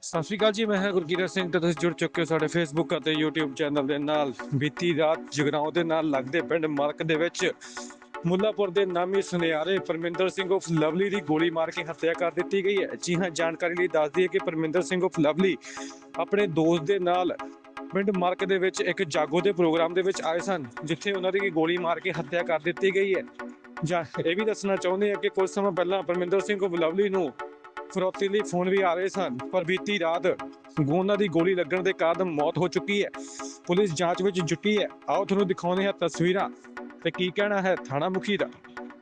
ਸਤਿ ਸ਼੍ਰੀ ਅਕਾਲ ਜੀ। ਮੈਂ ਹਾਂ ਗੁਰਕੀਰਤ ਸਿੰਘ ਤੇ ਤੁਸੀਂ ਜੁੜ ਚੁੱਕੇ ਹੋ ਸਾਡੇ ਫੇਸਬੁੱਕ ਅਤੇ YouTube ਚੈਨਲ ਦੇ ਨਾਲ। ਬੀਤੀ ਰਾਤ ਜਗਰਾਉਂ ਦੇ ਨਾਲ ਲੱਗਦੇ ਪਿੰਡ ਮਲਕ ਦੇ ਵਿੱਚ ਮੁੱਲਾਪੁਰ ਦੇ ਨਾਮੀ ਸੁਨਿਆਰੇ ਪਰਮਿੰਦਰ ਸਿੰਘ ਉਫ ਲਵਲੀ ਦੀ ਗੋਲੀ ਮਾਰ ਕੇ ਹੱਤਿਆ ਕਰ ਦਿੱਤੀ ਗਈ ਹੈ। ਜੀ ਹਾਂ, ਜਾਣਕਾਰੀ ਲਈ ਦੱਸ ਦਈਏ ਕਿ ਪਰਮਿੰਦਰ ਸਿੰਘ ਉਫ ਲਵਲੀ ਆਪਣੇ ਦੋਸਤ ਦੇ ਨਾਲ ਪਿੰਡ ਮਲਕ ਦੇ ਵਿੱਚ ਇੱਕ ਜਾਗੋ ਦੇ ਪ੍ਰੋਗਰਾਮ ਦੇ ਵਿੱਚ ਆਏ ਸਨ, ਜਿੱਥੇ ਉਹਨਾਂ ਦੀ ਗੋਲੀ ਮਾਰ ਕੇ ਹੱਤਿਆ ਕਰ ਦਿੱਤੀ ਗਈ ਹੈ। ਜਾਂ ਇਹ ਵੀ ਦੱਸਣਾ ਚਾਹੁੰਦੇ ਹਾਂ ਕਿ ਕੁਝ ਸਮਾਂ ਪਹਿਲਾਂ ਪਰਮਿੰਦਰ ਸਿੰਘ ਉਫ ਲਵਲੀ ਨੂੰ ਫਰੋਤੀ ਲਈ ਫੋਨ ਵੀ ਆ ਰਹੇ ਸਨ, ਪਰ ਬੀਤੀ ਰਾਤ ਉਹਨਾਂ ਦੀ ਗੋਲੀ ਲੱਗਣ ਦੇ ਕਾਰਨ ਮੌਤ ਹੋ ਚੁੱਕੀ ਹੈ। ਪੁਲਿਸ ਜਾਂਚ ਵਿੱਚ ਜੁਟੀ ਹੈ। ਆਓ ਤੁਹਾਨੂੰ ਦਿਖਾਉਂਦੇ ਹਾਂ ਤਸਵੀਰਾਂ ਤੇ ਕੀ ਕਹਿਣਾ ਹੈ ਥਾਣਾ ਮੁਖੀ ਦਾ।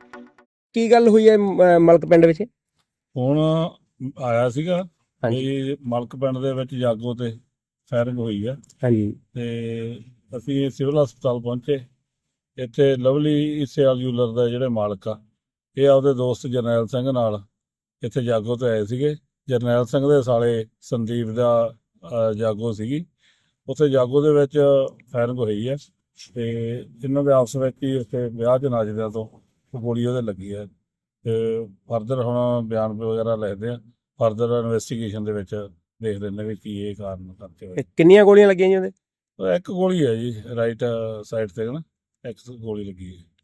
ਕੀ ਗੱਲ ਹੋਈ ਹੈ ਮਲਕ ਪਿੰਡ ਵਿੱਚ? ਹੁਣ ਆਇਆ ਸੀਗਾ ਹਾਂਜੀ ਵੀ ਮਲਕ ਪਿੰਡ ਦੇ ਵਿੱਚ ਜਾਗੋ ਤੇ ਫਾਇਰਿੰਗ ਹੋਈ ਆ ਹਾਂਜੀ ਤੇ ਅਸੀਂ ਸਿਵਲ ਹਸਪਤਾਲ ਪਹੁੰਚੇ। ਇੱਥੇ ਲਵਲੀ ਇਸਿਆਲ ਜੂਲਰ ਦਾ ਜਿਹੜੇ ਮਾਲਕ ਆ, ਇਹ ਆਪਦੇ ਦੋਸਤ ਜਰਨੈਲ ਸਿੰਘ ਨਾਲ ਇੱਥੇ ਜਾਗੋ ਤੇ ਆਏ ਸੀਗੇ। ਜਰਨੈਲ ਸਿੰਘ ਦੇ ਸਾਲੇ ਸੰਦੀਪ ਦਾ ਜਾਗੋ ਸੀਗੀ। ਉੱਥੇ ਜਾਗੋ ਦੇ ਵਿੱਚ ਫਾਇਰਿੰਗ ਹੋਈ ਹੈ ਤੇ ਇਹਨਾਂ ਦੇ ਆਪਸ ਵਿੱਚ ਹੀ ਉੱਥੇ ਵਿਆਹ 'ਚ ਨੱਚਦਿਆਂ ਤੋਂ ਗੋਲੀ ਉਹਦੇ ਲੱਗੀ ਹੈ। ਤੇ ਫਰਦਰ ਹੁਣ ਬਿਆਨ ਵਗੈਰਾ ਲਿਖਦੇ ਆ। ਫਰਦਰ ਇਨਵੈਸਟੀਗੇਸ਼ਨ ਦੇ ਵਿੱਚ ਦੇਖ ਲੈਂਦੇ ਵੀ ਕੀ ਇਹ ਕਾਰਨ ਕਰਕੇ ਹੋਇਆ। ਕਿੰਨੀਆਂ ਗੋਲੀਆਂ ਲੱਗੀਆਂ ਜੀ ਉਹਦੇ? ਇੱਕ ਗੋਲੀ ਹੈ ਜੀ, ਰਾਈਟ ਸਾਈਡ ਤੇ ਨਾ ਇੱਕ ਗੋਲੀ ਲੱਗੀ ਹੈ,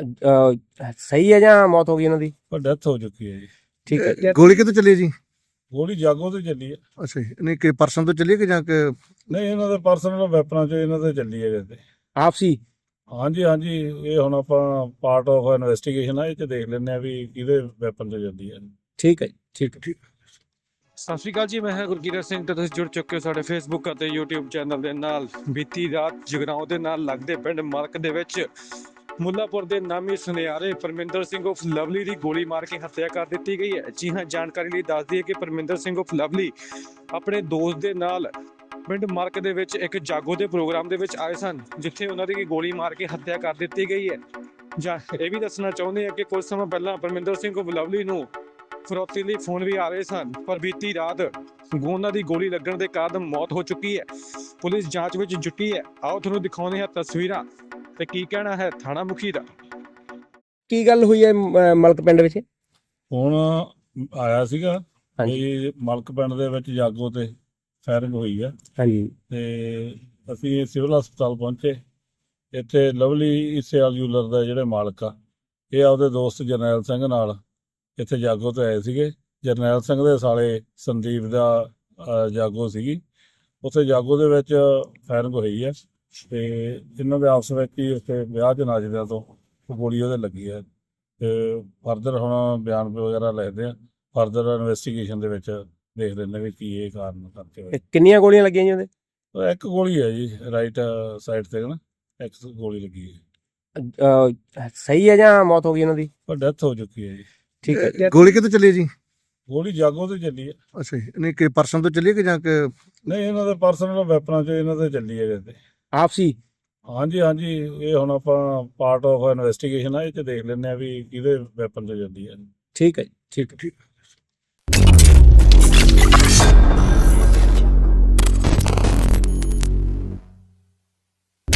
ਸਹੀ ਹੈ ਜਾਂ ਮੌਤ ਹੋ ਗਈ ਉਹਨਾਂ ਦੀ? ਪਰ ਡੈਥ ਹੋ ਚੁੱਕੀ ਹੈ ਜੀ। ਠੀਕ ਹੈ। ਗੋਲੀ ਕਿੱਥੋਂ ਚੱਲੀ ਜੀ? ਗੋਲੀ ਜਾਗੋ ਤੇ ਚੱਲੀ ਹੈ। ਅੱਛਾ ਜੀ, ਨਹੀਂ ਕਿ ਪਰਸਨ ਤੋਂ ਚੱਲੀ ਕਿ ਜਾਂ ਕਿ ਨਹੀਂ, ਇਹਨਾਂ ਦੇ ਪਰਸਨਲ ਵੈਪਨਾਂ 'ਚ ਇਹਨਾਂ ਤੇ ਚੱਲੀ ਹੈ ਵੈਸੇ। ਆਪਸੀ? ਹਾਂਜੀ, ਇਹ ਹੁਣ ਆਪਾਂ ਪਾਰਟ ਆਫ ਇਨਵੈਸਟੀਗੇਸ਼ਨ ਆ, ਇਹ 'ਚ ਦੇਖ ਲੈਂਦੇ ਆ ਵੀ ਕਿਹਦੇ ਵੈਪਨ 'ਚ ਚੱਲੀ ਹੈ। ਠੀਕ ਹੈ ਠੀਕ ਹੈ। ਸਤਿ ਸ਼੍ਰੀ ਅਕਾਲ ਜੀ। ਮੈਂ ਹਾਂ ਗੁਰਕੀਰਤ ਸਿੰਘ ਤੇ ਤੁਸੀਂ ਜੁੜ ਚੁੱਕੇ ਹੋ ਸਾਡੇ ਫੇਸਬੁੱਕ ਅਤੇ YouTube ਚੈਨਲ ਦੇ ਨਾਲ। ਬੀਤੀ ਰਾਤ ਜਗਰਾਉਂ ਦੇ ਨਾਲ ਲੱਗਦੇ ਪਿੰਡ ਮਲਕ ਦੇ ਵਿੱਚ ਮੁੱਲਾਪੁਰ ਦੇ ਨਾਮੀ ਸੁਨਿਆਰੇ ਪਰਮਿੰਦਰ ਸਿੰਘ ਉਫ ਲਵਲੀ ਦੀ ਗੋਲੀ ਮਾਰ ਕੇ ਹੱਤਿਆ ਕਰ ਦਿੱਤੀ ਗਈ ਹੈ। ਜੀ ਹਾਂ, ਜਾਣਕਾਰੀ ਲਈ ਦੱਸ ਦਈਏ ਕਿ ਪਰਮਿੰਦਰ ਸਿੰਘ ਉਫ ਲਵਲੀ ਆਪਣੇ ਦੋਸਤ ਦੇ ਨਾਲ ਪਿੰਡ ਮਲਕ ਦੇ ਵਿੱਚ ਇੱਕ ਜਾਗੋ ਦੇ ਪ੍ਰੋਗਰਾਮ ਦੇ ਵਿੱਚ ਆਏ ਸਨ, ਜਿੱਥੇ ਉਹਨਾਂ ਦੀ ਗੋਲੀ ਮਾਰ ਕੇ ਹੱਤਿਆ ਕਰ ਦਿੱਤੀ ਗਈ ਹੈ। ਜਾਂ ਇਹ ਵੀ ਦੱਸਣਾ ਚਾਹੁੰਦੇ ਹਾਂ ਕਿ ਕੁਝ ਸਮਾਂ ਪਹਿਲਾਂ ਪਰਮਿੰਦਰ ਸਿੰਘ ਉਫ ਲਵਲੀ ਨੂੰ ਫਰੋਤੀ ਲਈ ਫੋਨ ਵੀ ਆ ਰਹੇ ਸਨ, ਪਰ ਬੀਤੀ ਰਾਤ ਉਹਨਾਂ ਦੀ ਗੋਲੀ ਲੱਗਣ ਦੇ ਕਾਰਨ ਮੌਤ ਹੋ ਚੁੱਕੀ ਹੈ। ਪੁਲਿਸ ਜਾਂਚ ਵਿੱਚ ਜੁਟੀ ਹੈ। ਆਓ ਤੁਹਾਨੂੰ ਦਿਖਾਉਂਦੇ ਹਾਂ ਤਸਵੀਰਾਂ ਤੇ ਕੀ ਕਹਿਣਾ ਹੈ ਥਾਣਾ ਮੁਖੀ ਦਾ। ਕੀ ਗੱਲ ਹੋਈ ਹੈ ਮਲਕ ਪਿੰਡ ਵਿੱਚ? ਹੁਣ ਆਇਆ ਸੀਗਾ ਹਾਂਜੀ ਵੀ ਮਲਕ ਪਿੰਡ ਦੇ ਵਿੱਚ ਜਾਗੋ ਤੇ ਫਾਇਰਿੰਗ ਹੋਈ ਆ ਹਾਂਜੀ ਤੇ ਅਸੀਂ ਸਿਵਲ ਹਸਪਤਾਲ ਪਹੁੰਚੇ। ਇੱਥੇ ਲਵਲੀ ਇਸਿਆਲ ਜੂਲਰ ਦਾ ਜਿਹੜੇ ਮਾਲਕ ਆ, ਇਹ ਆਪਦੇ ਦੋਸਤ ਜਰਨੈਲ ਸਿੰਘ ਨਾਲ ਇੱਥੇ ਜਾਗੋ ਤੇ ਆਏ ਸੀਗੇ। ਜਰਨੈਲ ਸਿੰਘ ਦੇ ਸਾਲੇ ਸੰਦੀਪ ਦਾ ਜਾਗੋ ਸੀਗੀ। ਉੱਥੇ ਜਾਗੋ ਦੇ ਵਿੱਚ ਫਾਇਰਿੰਗ ਹੋਈ ਹੈ ਤੇ ਇਹਨਾਂ ਦੇ ਆਪਸ ਵਿੱਚ ਹੀ ਉੱਥੇ ਵਿਆਹ 'ਚ ਨੱਚਦਿਆਂ ਤੋਂ ਗੋਲੀ ਉਹਦੇ ਲੱਗੀ ਹੈ। ਤੇ ਫਰਦਰ ਹੁਣ ਬਿਆਨ ਵਗੈਰਾ ਲਿਖਦੇ ਆ। ਫਰਦਰ ਇਨਵੈਸਟੀਗੇਸ਼ਨ ਦੇ ਵਿੱਚ ਦੇਖ ਲੈਂਦੇ ਵੀ ਕੀ ਇਹ ਕਾਰਨ ਕਰਕੇ ਹੋਇਆ। ਕਿੰਨੀਆਂ ਗੋਲੀਆਂ ਲੱਗੀਆਂ ਜੀ ਉਹਦੇ? ਇੱਕ ਗੋਲੀ ਹੈ ਜੀ, ਰਾਈਟ ਸਾਈਡ ਤੇ ਨਾ ਇੱਕ ਗੋਲੀ ਲੱਗੀ ਹੈ, ਸਹੀ ਹੈ ਜਾਂ ਮੌਤ ਹੋ ਗਈ ਉਹਨਾਂ ਦੀ? ਪਰ ਡੈਥ ਹੋ ਚੁੱਕੀ ਹੈ ਜੀ। ਠੀਕ ਹੈ। ਗੋਲੀ ਕਿੱਥੋਂ ਚੱਲੀ ਜੀ? ਗੋਲੀ ਜਾਗੋ ਤੇ ਚੱਲੀ ਹੈ। ਅੱਛਾ ਜੀ, ਨਹੀਂ ਕਿ ਪਰਸਨ ਤੋਂ ਚੱਲੀ ਕਿ ਜਾਂ ਕਿ ਨਹੀਂ, ਇਹਨਾਂ ਦੇ ਪਰਸਨਲ ਵੈਪਨਾਂ 'ਚ ਇਹਨਾਂ ਤੇ ਚੱਲੀ ਹੈ ਵੈਸੇ। ਆਪਸੀ? ਹਾਂਜੀ, ਇਹ ਹੁਣ ਆਪਾਂ ਪਾਰਟ ਆਫ ਇਨਵੈਸਟੀਗੇਸ਼ਨ ਆ, ਇਹ 'ਚ ਦੇਖ ਲੈਂਦੇ ਆ ਵੀ ਕਿਹਦੇ ਵੈਪਨ 'ਚ ਚੱਲੀ ਹੈ। ਠੀਕ ਹੈ ਠੀਕ ਹੈ।